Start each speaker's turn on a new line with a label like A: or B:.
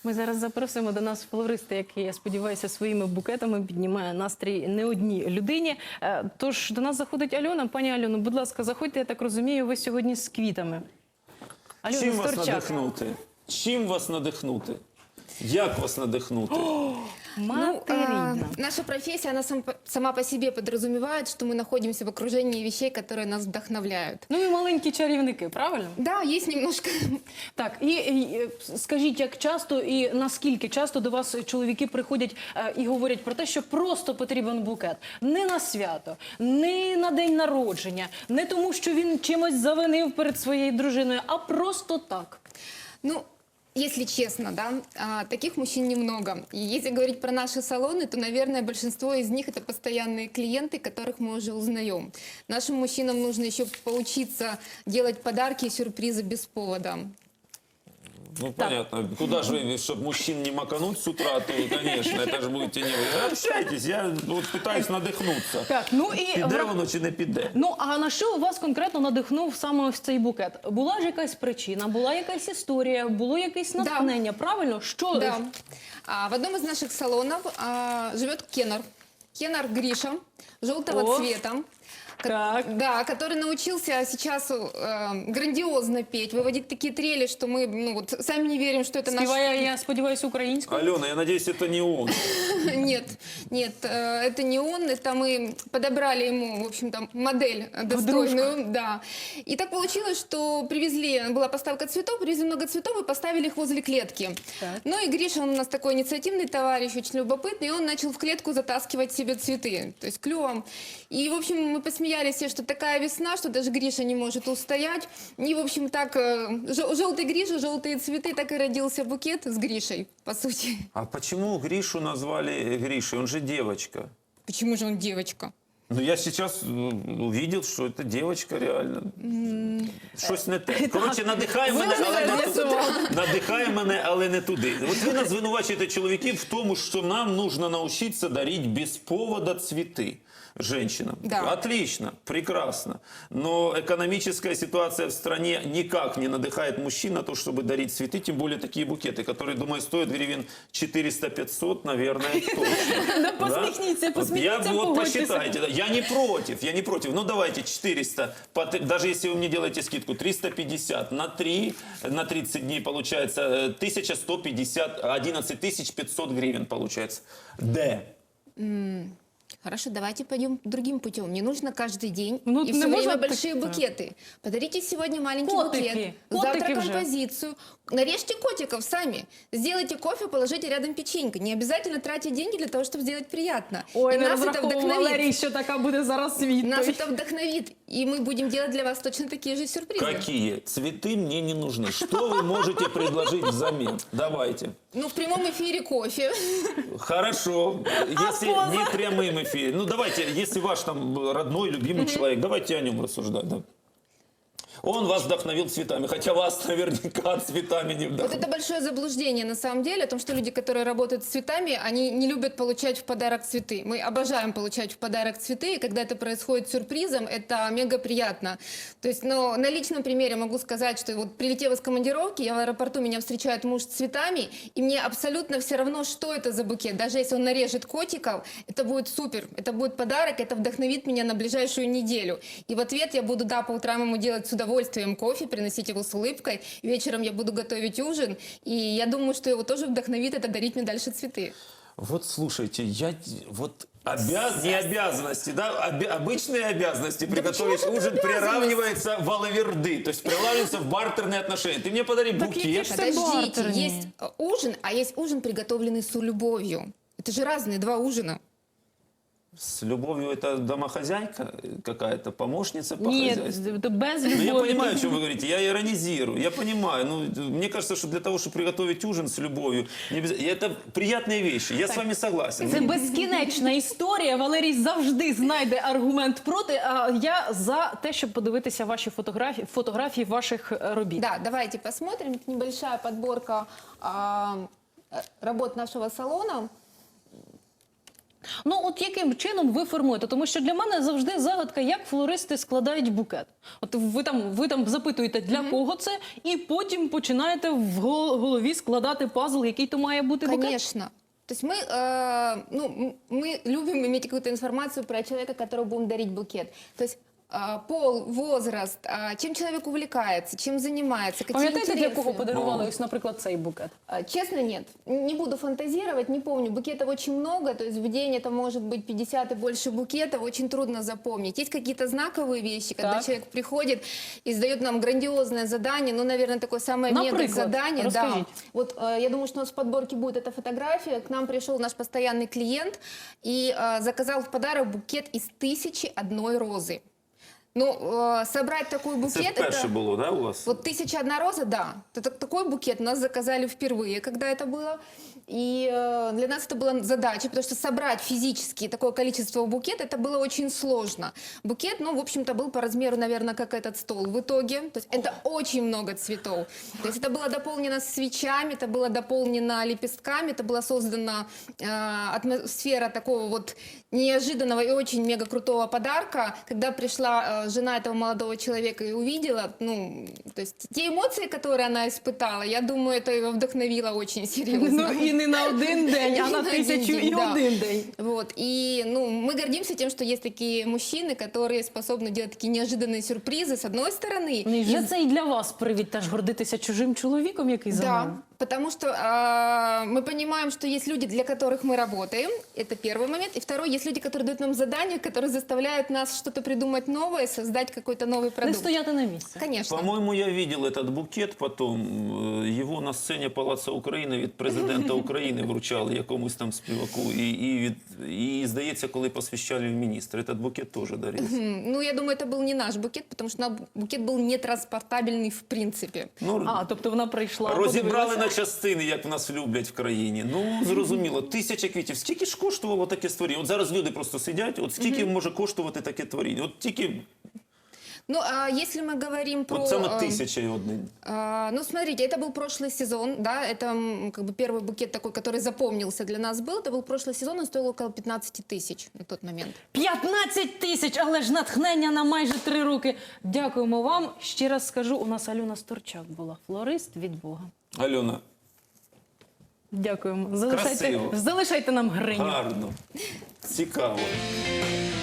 A: Ми зараз запросимо до нас флориста, який, я сподіваюся, своїми букетами піднімає настрій не одній людині. Тож до нас заходить Альона. Пані Альоно, будь ласка, заходьте, я так розумію, ви сьогодні з квітами. Альона
B: Чим вас
A: Сторчак.
B: надихнути? Чим вас надихнути? Як вас надихнути?
A: Материна.
C: Наша профессия, она сама по себе подразумевает, что мы находимся в окружении вещей, которые нас вдохновляют.
A: Ну і маленькі чарівники, правильно?
C: Да, есть немножко.
A: Так, і скажіть, як часто і наскільки часто до вас чоловіки приходять і говорять про те, що просто потрібен букет? Не на свято, не на день народження, не тому, що він чимось завинив перед своєю дружиною, а просто так.
C: Ну, если честно, да, таких мужчин немного. И если говорить про наши салоны, то, наверное, большинство из них это постоянные клиенты, которых мы уже узнаем. Нашим мужчинам нужно еще поучиться делать подарки и сюрпризы без повода.
B: Ну, понятно. Куда же вы, чтобы мужчин не макануть с утра, то, конечно, это же будете не вы. Общайтесь, я вот пытаюсь надихнуться.
A: Так, ну і
B: Піде воно чи не піде?
A: Ну, а на що вас конкретно надихнув саме ось цей букет? Була ж якась причина, була якась історія, було якесь натхнення, правильно? Що?
C: Да. В одном из наших салонов живет Кеннер. Кеннер Гриша, желтого цвета.
A: Так.
C: Да, который научился сейчас грандиозно петь, выводить такие трели, что мы сами не верим, что это наш...
A: Співає, я сподіваюся, українською?
B: Алена, я надеюсь, это не он.
C: Нет, это не он, это мы подобрали ему, в общем-то, модель достойную. Да. И так получилось, что была поставка цветов, привезли много цветов и поставили их возле клетки.
A: Так.
C: Ну и Гриша, он у нас такой инициативный товарищ, очень любопытный, и он начал в клетку затаскивать себе цветы, то есть клювом. И, в общем, мы посмеялись все, что такая весна, что даже Гриша не может устоять. И, в общем, так, желтый Гриша, желтые цветы, так и родился букет с Гришей, по сути.
B: А почему Гришу назвали Гришей? Он же девочка.
C: Почему же он девочка?
B: Ну, я сейчас увидел, что это девочка реально. Щось не те. Коротше, надихає мене, але не туди. Надихає мене, але не туди. От ви нас звинувачуєте чоловіків в тому, що нам нужно научиться дарить без повода цветы женщинам.
C: Да.
B: Отлично, прекрасно. Но экономическая ситуация в стране никак не надыхает мужчин на то, чтобы дарить цветы, тем более такие букеты, которые, думаю, стоят гривен 400-500, наверное, точно.
A: Да посмехните,
B: Вот
A: погодьтеся.
B: посчитайте. Я не против. Ну, давайте 400, даже если вы мне делаете скидку, 350 на 3, на 30 дней получается 1150, 11 500 гривен получается.
C: Хорошо, давайте пойдем другим путем. Не нужно каждый день
A: Ну,
C: и
A: не
C: все
A: можно
C: время
A: так,
C: большие
A: да.
C: букеты. Подарите сегодня маленький
A: Котики.
C: букет, завтра
A: Котики уже.
C: композицию. Нарежьте котиков сами. Сделайте кофе, положите рядом печеньку. Не обязательно тратить деньги для того, чтобы сделать приятно.
A: Ой,
C: И
A: не
C: нас это
A: розраховував
C: вдохновит.
A: Валерій, що така буде зараз відповідь.
C: Нас это вдохновит. И мы будем делать для вас точно такие же сюрпризы.
B: Какие? Цветы мне не нужны. Что вы можете предложить взамен? Давайте.
C: Ну, в прямом эфире кофе.
B: Хорошо. Если не прямым эфиром. Ну, давайте, если ваш там родной, любимый человек, давайте о нем рассуждать. Да? Он вас вдохновил цветами, хотя вас наверняка цветами не
C: Вот
B: вдохновил.
C: это большое заблуждение на самом деле о том, что люди, которые работают с цветами, они не любят получать в подарок цветы. Мы обожаем получать в подарок цветы, и когда это происходит сюрпризом, это мега приятно. То есть, но на личном примере могу сказать, что вот прилетев из командировки, я в аэропорту, меня встречает муж с цветами, и мне абсолютно все равно, что это за букет. Даже если он нарежет котиков, это будет супер, это будет подарок, это вдохновит меня на ближайшую неделю. И в ответ я буду, да, по утрам ему делать с удовольствием кофе, приносить его с улыбкой. Вечером я буду готовить ужин. И я думаю, что его тоже вдохновит это дарить мне дальше цветы.
B: Вот слушайте, не обязанности, да, обычные обязанности приготовить ужин приравнивается в алаверды, то есть приравнивается в бартерные отношения. Ты мне подари букет.
C: Подождите,
A: бартерные.
C: есть ужин, а есть ужин, приготовленный с любовью. Это же разные два ужина.
B: С любовью это домохозяйка какая-то, помощница по
A: Ні,
B: хозяйству?
A: без
B: Ну,
A: любові.
B: я понимаю, о чем вы говорите, я иронизирую, я понимаю. Ну, мне кажется, что для того, чтобы приготовить ужин с любовью, это приятные вещи, я с вами согласен.
A: Це безкінечна історія. Валерій завжди знайде аргумент проти. А я за те, щоб подивитися ваші фотографії ваших робіт.
C: Да, давайте посмотрим. Это небольшая подборка работ нашего салона.
A: Ну, от яким чином ви формуєте? Тому що для мене завжди загадка, як флористи складають букет. От ви там запитуєте, для кого це, і потім починаєте в голові складати пазл, який то має бути букет.
C: Конечно. То есть мы любим иметь какую-то информацию про человека, которому будем дарить букет. То есть пол, возраст, чем человек увлекается, чем занимается, какие
A: Пам'ятаєте, для
C: интересы.
A: кого подарували ось, наприклад, цей букет?
C: Честно, нет. Не буду фантазировать, не помню. Букетов очень много, то есть в день это может быть 50 и больше букетов, очень трудно запомнить. Есть какие-то знаковые вещи, когда
A: Так.
C: человек приходит и сдает нам грандиозное задание, ну, наверное, такое самое
A: Например,
C: мега-задание. Да.
A: расскажите.
C: Вот я думаю, что у нас в подборке будет эта фотография. К нам пришел наш постоянный клиент и заказал в подарок букет из 1001 розы. Ну, собрать такой
B: Це
C: букет...
B: вперше було, да, у вас?
C: Вот 1001 роза, да. Такой букет нас заказали впервые, когда это было. И для нас это была задача, потому что собрать физически такое количество букет, это было очень сложно. Букет, ну, в общем-то, был по размеру, наверное, как этот стол в итоге. То есть это очень много цветов. То есть это было дополнено свечами, это было дополнено лепестками, это была создана атмосфера такого вот неожиданного и очень мега крутого подарка. Когда пришла жена этого молодого человека и увидела, ну, то есть те эмоции, которые она испытала, я думаю, это ее вдохновило очень серьезно.
A: Ну, і не на один день, а
C: И
A: на
C: не на один
A: 1000
C: день,
A: і
C: да.
A: один день.
C: Вот. И ну, мы гордимся тем, что есть такие мужчины, которые способны делать такие неожиданные сюрпризы, с одной стороны.
A: Ну, і вже це і для вас привід теж гордитися чужим чоловіком, який за вами.
C: Да, потому что мы понимаем, что есть люди, для которых мы работаем. Это первый момент. И второй, есть люди, которые дают нам задания, которые заставляют нас что-то придумать новое, создать какой-то новый
A: Не
C: продукт.
A: стояти на місці.
C: Конечно.
B: По-моему, я видел этот букет потом. Его на сцені Палацу України від президента України вручали якомусь там співаку. І здається, коли посвящали в міністр. Этот букет теж дарився.
C: Ну, я думаю, это был не наш букет, потому что букет был нетранспортабельный в принципе.
B: Ну,
A: А, тобто вона прийшла,
B: розібрали
A: подивилася.
B: на частини, як в нас люблять в країні. Ну, зрозуміло, 1000 квітів. Скільки ж коштувало таке створіння? От зараз люди просто сидять, от скільки може коштувати таке творіння? От тільки,
C: Ну, а если мы говорим про...
B: от саме 1001.
C: Ну, смотрите, это был прошлый сезон, да, это как бы первый букет такой, который запомнился для нас был. Это был прошлый сезон, он стоил около 15 тысяч на тот момент.
A: 15 тисяч, але ж натхнення на майже 3 роки. Дякуємо вам. Ще раз скажу, у нас Альона Сторчак була, флорист від Бога.
B: Альона,
A: Дякуємо.
B: Красиво.
A: Залишайте нам гриню.
B: гарно, цікаво.